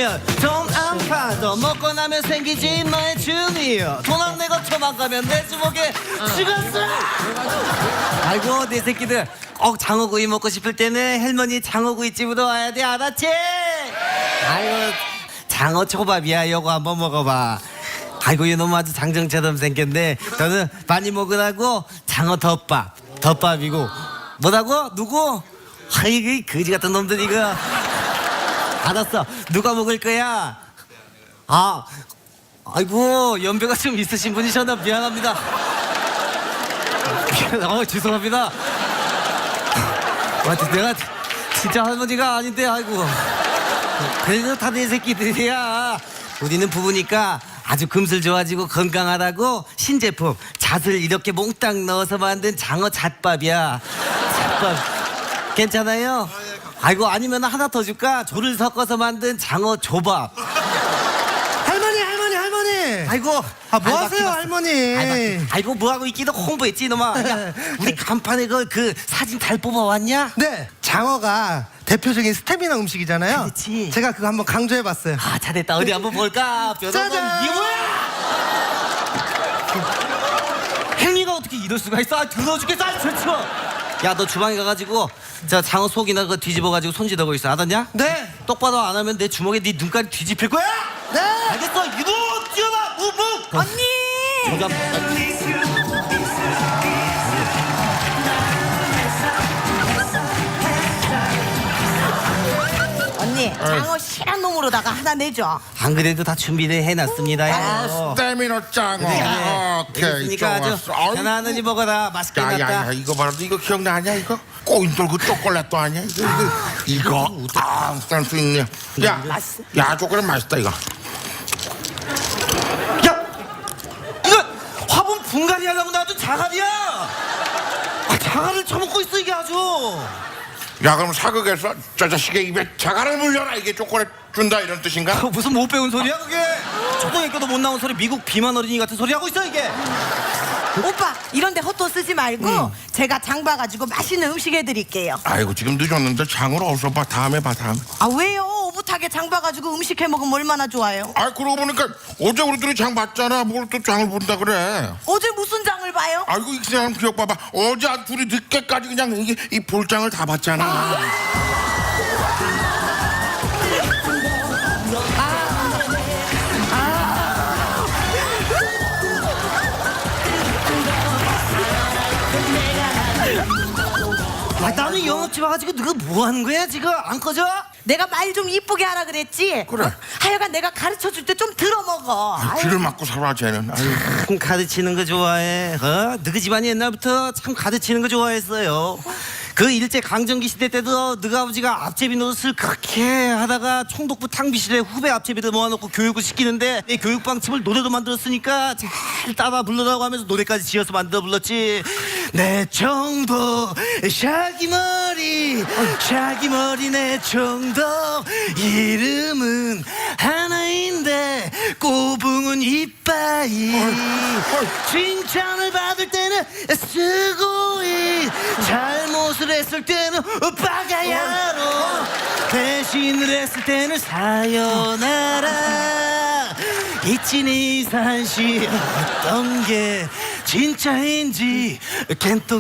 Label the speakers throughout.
Speaker 1: 먹으면 돈 안 파도 먹고 나면 생기지 너의 주니어. 돈 안 내고 도망가면 내 주먹에 죽었어. 아이고 내 새끼들 장어구이 먹고 싶을 때는 할머니 장어구이 집으로 와야 돼. 알았지? 아이고 장어 초밥이야. 요거 한번 먹어봐. 아이고 이놈 아주 장정처럼 생겼네. 저는 많이 먹으라고 장어 덮밥이고 뭐라고? 누구? 아이고 거지 같은 놈들 이거. 알았어. 누가 먹을 거야? 아이고 연배가 좀 있으신 분이셨나 미안합니다. 죄송합니다. 내가 진짜 할머니가 아닌데 아이고. 그래도 다 내 새끼들이야. 우리는 부부니까 아주 금슬 좋아지고 건강하다고 신제품 잣을 이렇게 몽땅 넣어서 만든 장어 잣밥이야. 잣밥 괜찮아요? 아이고 아니면 하나 더 줄까? 조를 섞어서 만든 장어 조밥.
Speaker 2: 할머니.
Speaker 1: 아이고
Speaker 2: 뭐 하세요 할머니?
Speaker 1: 아이고 뭐하고 있기도 홍보했지 이놈아. 우리 간판에 그 사진 잘 뽑아왔냐?
Speaker 2: 네, 장어가 대표적인 스태미나 음식이잖아요.
Speaker 1: 그렇지.
Speaker 2: 제가 그거 한번 강조해봤어요.
Speaker 1: 잘됐다. 어디 한번 볼까?
Speaker 2: 짜잔.
Speaker 1: 이게 뭐야? 행위가 어떻게 이럴 수가 있어? 더러워 죽겠어. 야 너 주방에 가가지고 저 장어 속이나 그거 뒤집어가지고 손질하고 있어. 알았냐?
Speaker 2: 네.
Speaker 1: 똑바로 안 하면 내 주먹에 네 눈깔이 뒤집힐 거야.
Speaker 2: 네.
Speaker 1: 알겠어? 이놈 뛰어봐. 무브.
Speaker 3: 언니! 언니, 장어 실한 놈으로다가 하나 내줘.
Speaker 1: 안 그래도 다 준비를 해놨습니다.
Speaker 4: 스테미너 짱어. 오케이,
Speaker 1: 그러니까 아주
Speaker 4: 좋았어. 아이고.
Speaker 1: 편안하게 먹어라. 맛있게
Speaker 4: 야야야,
Speaker 1: 났다.
Speaker 4: 이거 봐라. 이거 기억나냐 이거? 꼬인돌 그 초콜릿도 아니야? 이거 센스 있네. 야 초콜릿 맛있다 이거.
Speaker 1: 야! 이거 화분 분갈이 하려고 놔둔 자갈이야! 자갈을 처먹고 있어 이게 아주!
Speaker 4: 야 그럼 사극에서 저 자식의 입에 자갈을 물려라 이게 초콜릿 준다 이런 뜻인가?
Speaker 1: 무슨 못 배운 소리야 그게? 초등학교도 못 나온 소리 미국 비만 어린이 같은 소리 하고 있어 이게!
Speaker 3: 오빠, 이런데 헛돈 쓰지 말고 제가 장 봐가지고 맛있는 음식 해드릴게요.
Speaker 4: 아이고 지금 늦었는데 장으로 어서 봐. 다음에 봐 다음에.
Speaker 3: 아, 왜요? 오붓하게 장 봐가지고 음식 해먹으면 얼마나 좋아요?
Speaker 4: 아 그러고 보니까 어제 우리들이 장 봤잖아. 뭘 또 장을 본다 그래?
Speaker 3: 어제 무슨 장을 봐요?
Speaker 4: 아이고 이 사람 기억 봐봐. 어제 둘이 늦게까지 그냥 이 볼장을 다 봤잖아.
Speaker 1: 나는 영업집 와가지고 너가 뭐 하는 거야 지금? 안 꺼져?
Speaker 3: 내가 말 좀 이쁘게 하라 그랬지?
Speaker 4: 그래.
Speaker 3: 하여간 내가 가르쳐줄 때 좀 들어먹어.
Speaker 4: 귀를 막고 살아 쟤는. 아유.
Speaker 1: 참 가르치는 거 좋아해. 너희 집안이 옛날부터 참 가르치는 거 좋아했어요. 그 일제 강점기 시대 때도 너희 아버지가 앞제비 노릇을 그렇게 하다가 총독부 탕비실에 후배 앞제비들 모아놓고 교육을 시키는데 이 교육 방침을 노래도 만들었으니까 잘 따라 불러라고 하면서 노래까지 지어서 만들어 불렀지. 내 총독 샤기머리 내 총독 이름은 하나인데 꼬붕은 이빠이 칭찬을 받을 때는 스고이 잘못을 했을 때는 빠가야로 대신을 했을 때는 사요나라 이치니 산시 어떤 게 진짜인지 겐또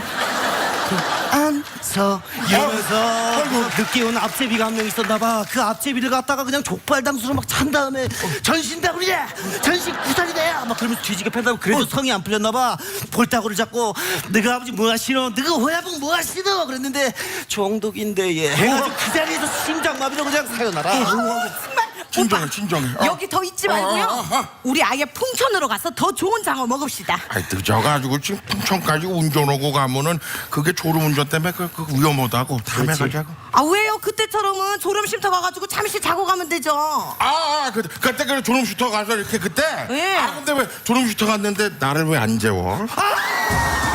Speaker 1: 안서 이러면서 늦게 온 앞제비가 한 명 있었나봐. 그 앞제비를 갖다가 그냥 족발당수로 막 찬 다음에 전신다구리야 전신 구살이다 막 그러면서 뒤지게 팬다고. 그래도 성이 안 풀렸나봐. 볼따구를 잡고 너가 아버지 뭐 하시노? 너가 호야봉 뭐 하시노? 그랬는데 총독인데 얘 해가지고 그 자리에서 심장마비로 그냥 사요나라.
Speaker 4: 진정해.
Speaker 3: 여기 더 있지 말고요. 우리 아예 풍천으로 가서 더 좋은 장어 먹읍시다.
Speaker 4: 아이 늦어가지고 지금 풍천까지 운전하고 가면은 그게 졸음운전 때문에 그 위험하다고. 다음에 가자고.
Speaker 3: 아, 왜요? 그때처럼은 졸음 쉼터 가가지고 잠시 자고 가면 되죠.
Speaker 4: 그때 그 졸음 슈터 가서 이렇게 그때.
Speaker 3: 예.
Speaker 4: 근데 왜 졸음 슈터 갔는데 나를 왜 안 재워?